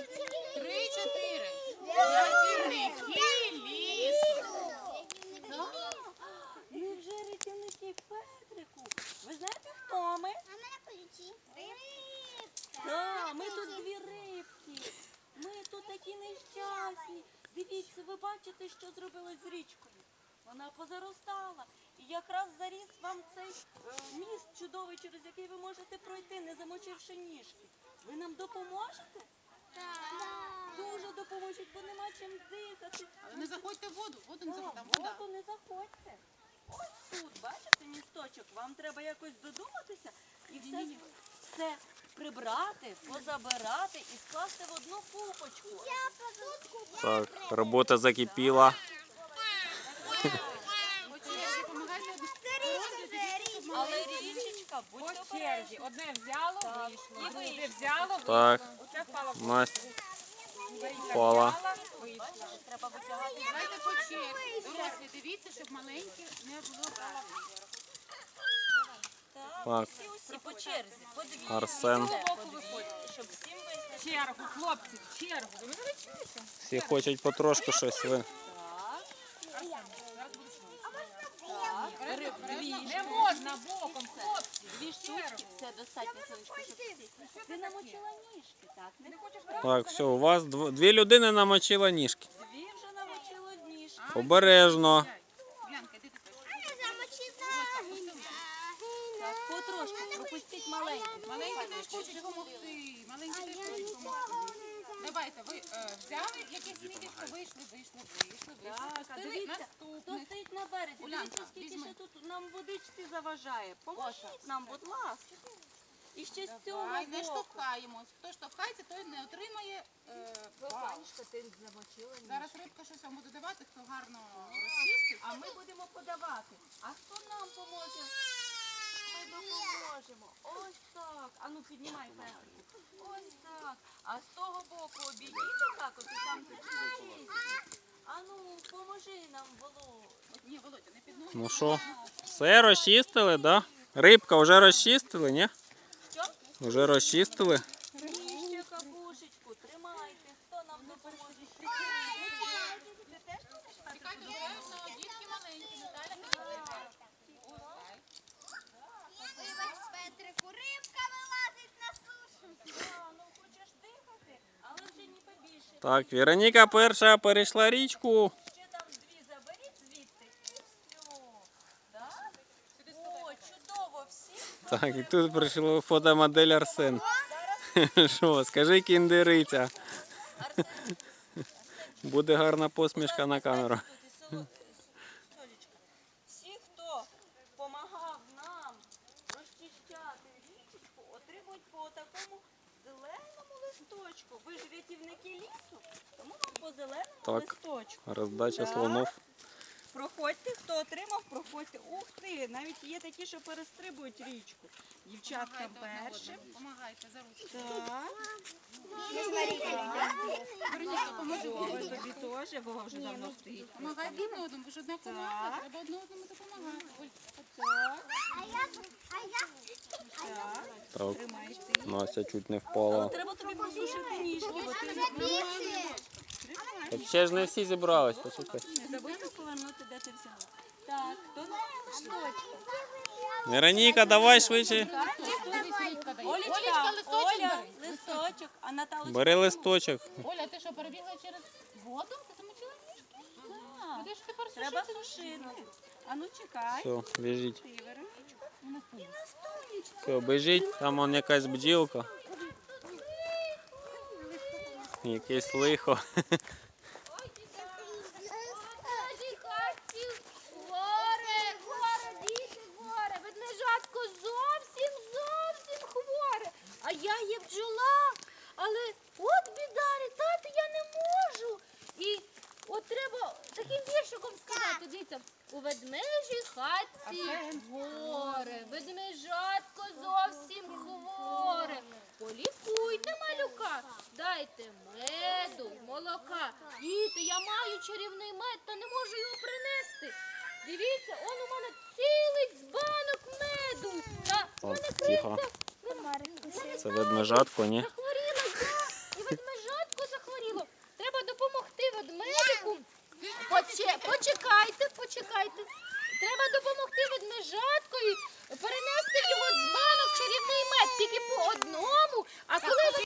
3-4. Рятівники лісу. Ми вже рятівники, Петрику. Ви знаєте, хто ми? А мене ключі. Рибка. Так, ми тут дві рибки. Ми тут такі нещасні. Дивіться, ви бачите, що зробили з річкою? Вона позаростала. І якраз заріс вам цей міст чудовий, через який ви можете пройти, не замочивши ніжки. Ви нам допоможете? Так. Дуже допоможуть, бо нема чим дихати. Але не заходьте в воду. Воду не заходьте. Там В вода. воду не заходьте. Ось тут, бачите, місточок. Вам треба якось додуматися і все прибрати, позабирати і скласти в одну купочку. Я позутку. Так, робота закипіла. Але річечка, будьте обережні. Одне взяло, вийшло. Друге взяло, Так, вийшло. Оце впало в Настя Марійка впала. взяла, вийшло. Треба витягати. Давайте по черзі. Дорослі, дивіться, щоб маленькі не було правильно. Так. Всі по черзі, по дві. Арсен. Щоб всім вистачило. Чергу, хлопці, чергу. Ви мене не чуєте? Всі хочуть потрошку щось. Ви. Не можна боком, хлопці. Дві штучки, це достатньо, сонечко, щоб всі. Ти намочила ніжки, так? Не хочеш Так, все, у вас дві людини намочила ніжки. Дві вже намочила ніжки. Обережно. Янка, йди ти. Я замочила. Так, потрошку, пропустіть маленьких. Маленькі теж хочуть допомогти. Маленькі теж хочуть допомогти. Давайте, ви взяли якесь місце, вийшли. Так, а Пустили дивіться, хто наступне. стоїть на березі. Улянка, Дивіться, скільки візьми. ще тут нам водичці заважає. Поможіть нам, будь ласка. І ще з цього Давай, не боку. штовхаємось. Хто штовхається, той не отримає бал. ти замочила Зараз рибка щось вам буде давати, хто гарно розчистить. А ми будемо подавати. А хто нам поможе? Ми допоможемо. Ось так. А ну піднімай Петрику. Ось так. А з того боку обійдіть отак, от і там підніміть. А ну, поможи нам, Володь. Ні, Володя, не підносить. Ну що, все розчистили, да? Рибка вже розчистили, ні? Що? Вже розчистили. Ні, ще капушечку. Тримайте. Хто нам допоможе? Ти теж будеш так? Чекайте, обережно, дітки маленькі, Наталя підійде. Вибач, Петрику, рибка вилазить на сушу. Ну хочеш дихати, але вже не побільше. Так, Вероніка перша перейшла річку. Ще там дві заберіть звідти і все. Так? О, чудово, всі. Так, і тут прийшла фотомодель Арсен. Що, скажи, кіндериця. Арсен, Буде гарна посмішка на камеру. Толічка, всі, хто допомагав нам розчищати річечку, отримують по такому зеленому листочку. Ви ж рятівники лісу, тому вам по зеленому Так. листочку. Роздача слонов. Проходьте, хто отримав, проходьте. Ух ти, навіть є такі, що перестрибують річку. Дівчатка першим. Помагайте за ручку. Так. Вероніка, поможи. Ой, тобі теж, Вова вже давно стоїть. Помагайте один одному, ви ж одна команда, Так. треба одне одному допомагати. Оль, Так, А я Так, тримайте. Настя чуть не Але впала. треба тобі посушити ніжки, бо ти Так ще ж не всі зібрались, почекай. не забудьте повернути, де ти взяла. Так, хто на листочку? Вероніка, давай швидше. дивись, рибка дає. Олечка, Олечка, листочок Оля, бери. листочок, а Наталочка? Бери листочок. Оля, ти що, перебігла через воду? Ти замочила ніжки? Так, Куди ж тепер треба сушити? сушити. А ну чекай. Все, біжіть. Ти, Вероничка. І на столічку. Все, біжіть, там он якась бджілка. Якесь лихо. горе, ведмежатко зовсім хворе. А я є бджола, але от біда, літати я не можу. І от треба таким віршиком сказати, дивіться, у ведмежій хатці горе, ведмежатко зовсім хворе. Полікуйте малюка, дайте меду, молока. Діти, я маю чарівний мед, та не можу його принести. Дивіться, он у мене цілий збанок меду. Та От, мене тихо. криця Це ведмежатко, ні? захворіла я, і ведмежатко Почекайте. Треба допомогти ведмежаткові перенести